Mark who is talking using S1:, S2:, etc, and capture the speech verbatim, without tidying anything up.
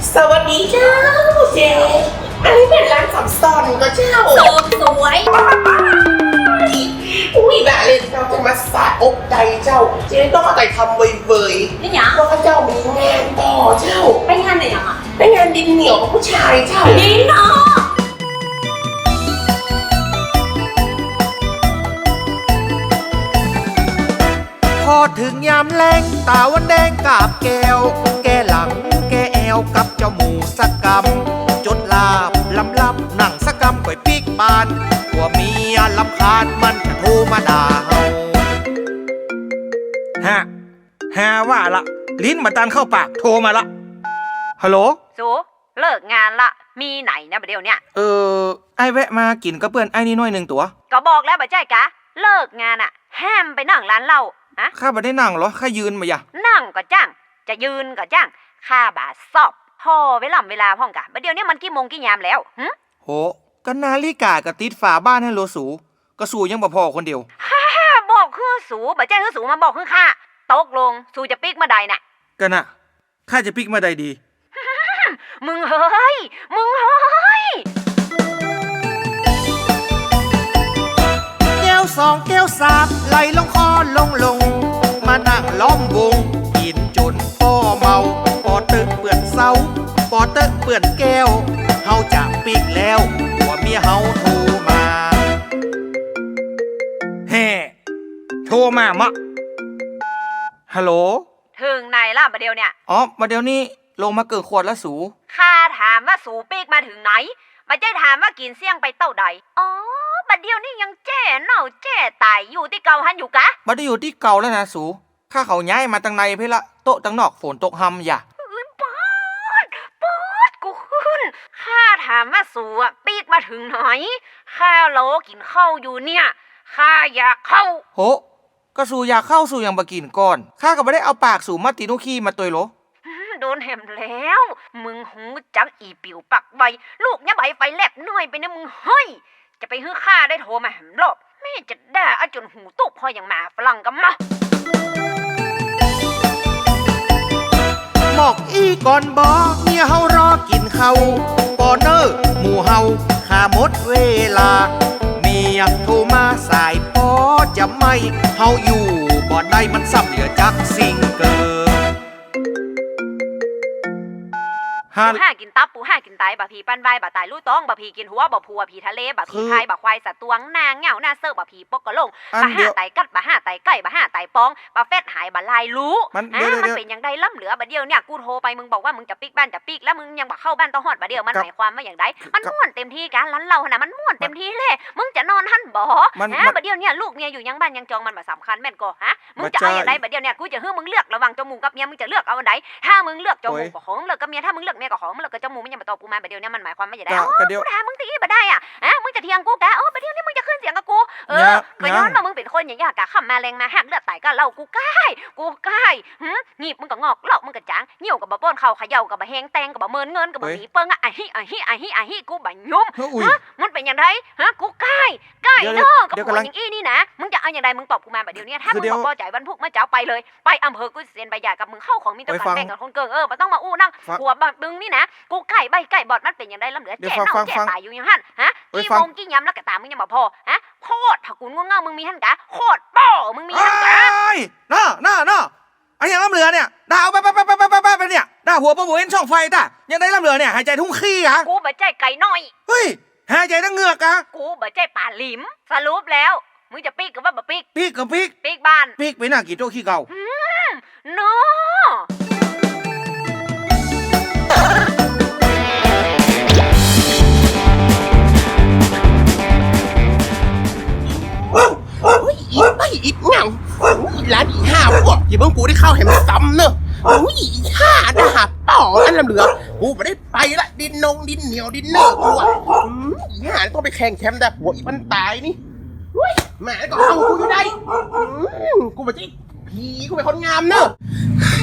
S1: สวัสดีเจ้าเจ๊อันนี้เป็นร้านสับซอนก็เจ้า
S2: เสิร์ฟสวย
S1: อุ้ยแบบเลยเราจะมาสาอกใจเจ้าเจ๊ต้องมาใจทำเบยๆ
S2: นี่หยัง
S1: เพราะว่าเจ้ามีงานต่อเจ้า
S2: ไปงานไหนยังอ่ะ
S1: ไปงานดินเหนียวกับผู้ชายเจ้า
S2: ดีเนาะ
S3: พอถึงยามแรงตาวันแดงกาบแก้วแกหลังแกแอวกับเจ้าหมูสักกำจดลาบลำลับหนังสักกำก่อยปีกบานหัวเมียลำคาญมันจะโทรมาด่าเฮาฮะฮาว่าละลิ้นมาตันเข้าปากโทรมาละฮัลโหล
S2: สูเลิกงานละมีไหนนะประเดี๋ยวเนี้ย
S3: เออไอแวะมากินกับเพื่อนไอ้นี่น้อยหนึ่งตัว
S2: ก็บอกแล้วบ่ใจกะเลิกงานอ่ะห้ามไปนั่งร้านเหล้าอะ
S3: ข้าบ่ได้นั่งหรอข้ายืนมาอย่า
S2: นั่งก็จ้างจะยืนก็จ้างข้าบาสอบพ่อเวลาเวลาพ่องกะประเดี๋ยวนี้มันกี่โมงกี่ยามแล้วหึ
S3: โหก็นาฬิกากะติดฝาบ้านให้โลสูก็สูยังบ่พอคนเดียว
S2: ฮ่าบอกคือสูบ่ใจคือสูมาบอกคือข้าตกลงสูจะปิกมาใดน่ะ
S3: กันน่ะข้าจะปิกมาใดดี
S2: มึงเฮ้ยมึงเฮ้ย
S3: แก้วสองแก้วสามไหลลงคอลงลงมานั่งล้อมวงกินจนพ่อเมาปอตึกเปื่อนเศร้าปอตึกเปื่อนแก้วเฮาจะปิกแล้วหัวเมียเฮาโทรมาแฮ่โทรมามะฮัลโหล
S2: ถึงไหนล่ะประเดี๋ยวเนี่ย
S3: อ๋อมาเดี๋ยวนี้ลงมาเกิดขวดแล้วสู
S2: ข้าถามว่าสูปีกมาถึงไหนมาใจถามว่ากินเสี่ยงไปเต้าใดอ๋อบัดเดียวนี่ยังแจ้เน่าแจ้ตายอยู่ที่เก่าหันอยู่กะ
S3: บัดได้อยู่ที่เก่าแล้วนะสูข้าเขาย้ายมาตั้งในเพื่อละโต๊ะตั้งนอกฝนตกหำอย่า
S2: ปอดปอดกูขึ้นข้าถามว่าสูอ่ะปีกมาถึงไหนข้าโลกินข้าวอยู่เนี่ยข้าอยากเข้า
S3: โหก็สูอยากเข้าสู่อย่างบะกินก่อนข้าก็ไม่ได้เอาปากสูมาตีนุขี้มาตัวโล
S2: โดนแหมแล้วมึงหูจักอีปิวปักใบลูกเนี่ยใบไฟแลบน้อยไปนะมึงเฮ้ยจะไปฮื้อข้าได้โทรมาแหมรอบแม่จะด่าอาจนหูตุกพออย่างหมาฝรั่งกันมา
S3: บอกอีก่อนบอกเมียเฮารอกินเขาปอเนอร์หมู่เฮาข้าหมดเวลาเมียโทรมาสายปอจะไม่เฮาอยู่บ่ได้มันซ้ำเหลือจักสิ่งเกิน
S2: ปูห้ากินตับปูห้ากินไตบะพีปั้นใบบะตายลู่ต้องบะพีกินหัวบะพัวผีทะเลบะพีไทยบะควายสัตว์ตวงนางเหงาหน้าเสิร์ฟบะพีปกกระลงบะห้าไตกัดบะห้าไตไก่บะห้าไตปองบะเฟ็ดหายบะลายรู้อ่ะมันเป็นยังไงล่ำเหลือบะเดียวเนี่ยกูโทรไปมึงบอกว่ามึงจะปิกบ้านจะปิกแล้วมึงยังบะเข้าบ้านต้องหอดบะเดียวมันหมายความว่าอย่างไรมันม่วนเต็มที่กันร้านเราขนาดมันม่วนเต็มที่เลยมึงจะนอนหันบ่ฮะบะเดียวเนี่ยลูกเมียอยู่ยังบ้านยังจองมันบะสำคัญแม่นก็ฮะมึงจะเอาอย่างไรบะเดียวเนี่ยกูจะให้มึงเลือกระหว่างจมูกกับเมียมึงจะเลือกเอาอันใดถ้ามึงเลือกจมูกกับของเลือกกับเมียถ้ามึงเลือกเมียกับของมึงเลือกกับจมูกมึงยังมาตอบกูมาประเดี๋ยวนี้มันหมายความว่าอย่างไรอ๋อกูถามมึงตีบ่ได้อ่ะฮะมึงจะเถียงกูกะโอ้ประเดี๋ยวนี้มึงจะขึ้นเสียงกับกูเออก็ย้อนว่ามึงเป็นคนอย่างยากะขับมาแรงมาหักเลือดไตก็เล่ากูใกล้กูใกล้หืมหนีบมึงก็งอกเหลามึงก็จางเหี่ยวกับบะป้อนเข่าเขย่ากับบะแหงแตงกับบะเมินเงินกับบะหนีเปิ้งอ่ะไอ้ฮิไอ้ฮิไอ้ฮิไอ้ฮิกูบะยุ่มฮะมันเป็นอย่างไรฮะกูใกล้ใกล้เนาะกับคนอย่างอี้นี่นะมึงจะเอาอย่างไรมึงตอบกูมาประเดี๋ยวนี้ถ้ามึงบอกพอใจบรรพุกมาเจ้าไปเลยไปอำเภอกูเซ็นใบหย่ากับมึงเข้าของมีต้องการแบ่งกับคนเกิงเออไม่ต้องมาอู้นั่งหัวบึงนี่นะกูใกล้ใบใกล้บอดมันเป็นอย่างไรลำเหลือแก่เน่าแก่ตายอยู่อย่างหันฮะกี่โมงกี่ยำแล้วกะตามึงยังบ่พอฮะโคตรผักกุนง่วงเงามึงมีหันกะโคตรป้อมึงมีหันกะ
S3: น่าน่าน่าไอ้ยังลำเหลือเนี่ยด่าเอาไปไปไปไปไปไปไปเนี่ยด่าหัวปะหัวเอ็นช่องไฟด่ายังได้ลำเหลือเนี่ยหายใจทุ่งขี้อะ
S2: กูบ่ใจไก่น้อย
S3: เฮ้ยหายใจทั้งเหงือกอะ
S2: กูบ่ใจป่าหลิมสรุปแล้วมึงจะปีกกับว่าบ่ปีก
S3: ปีกกับปีก
S2: ปีกบ้าน
S3: ปีกไปหน้ากี่โต๊ะขี้เก่า
S2: โน่
S1: อีไปอีเหงาอีร้านอีห้าพวกอย่าเพิ่งกูได้เข้าเห็นมันซ้ำเนอะอุ้ยอีห้าด่าต่ออันลำเหลือกูไม่ได้ไปละดินนงดินเหนียวดินเนอร์กูอ่ะอีห้าต้องไปแข่งแชมป์แต่หัวอีมันตายนี่แหมก็เอากูอยู่ได้กูไม่ใช่ผีกูเป็นคนงามเนอะ